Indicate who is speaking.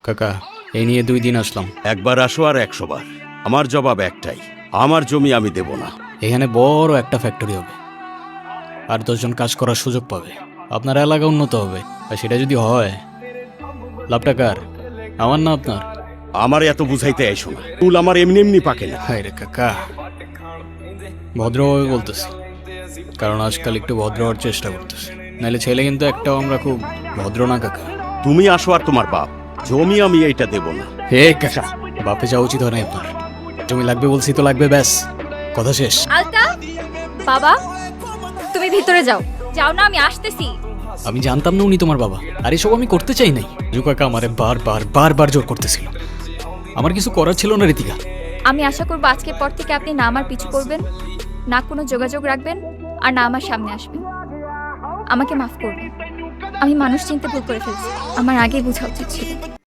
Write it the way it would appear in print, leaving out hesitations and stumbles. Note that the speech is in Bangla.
Speaker 1: কাকা এই নিয়ে 2 দিন আসলাম।
Speaker 2: একবার আসো আর 100 বার। আমার জবাব একটাই, আমার জমি আমি দেব না।
Speaker 1: এখানে বড় একটা ফ্যাক্টরি হবে, আর 10 জন কাজ করার সুযোগ পাবে, আপনার এলাকা উন্নত হবে। আর সেটা যদি হয়, লাভটা কার? আমার না আপনার?
Speaker 2: আমার এত বুঝাইতে আইসো না, চুল আমার এমনি এমনি পাকে না।
Speaker 1: হায় রে কাকা, ভদ্রভাবে বলতেছি, কারণ আজকাল একটু ভদ্র হওয়ার চেষ্টা করতেছি, নাহলে ছেলে কিন্তু একটাও আমরা খুব ভদ্র না কাকা।
Speaker 2: তুমি আসো আর তোমার বাপ, জমি আমি এইটা দেব না।
Speaker 1: হে কাকা, বাপে যাওয়া উচিত হয় না আপনার। জমি লাগবে বলছি তো লাগবে, ব্যাস, কথা শেষ।
Speaker 3: আলতা, বাবা তুমি ভিতরে যাও। যাও না, আমি আসতেছি।
Speaker 1: আমি জানতাম না উনি তোমার বাবা, আর এসব আমি করতে চাই নাই। কাকা আমারে বারবার জোর করতেছিল, আমার কিছু করার ছিল না রীতিকা।
Speaker 3: আমি আশা করবো আজকের পর থেকে আপনি না আমার পিছু করবেন, না কোনো যোগাযোগ রাখবেন, আর না আমার সামনে আসবেন। আমাকে মাফ করবেন, আমি মানুষ চিনতে ভুল করে ফেলছি, আমার আগেই বোঝা উচিত ছিল।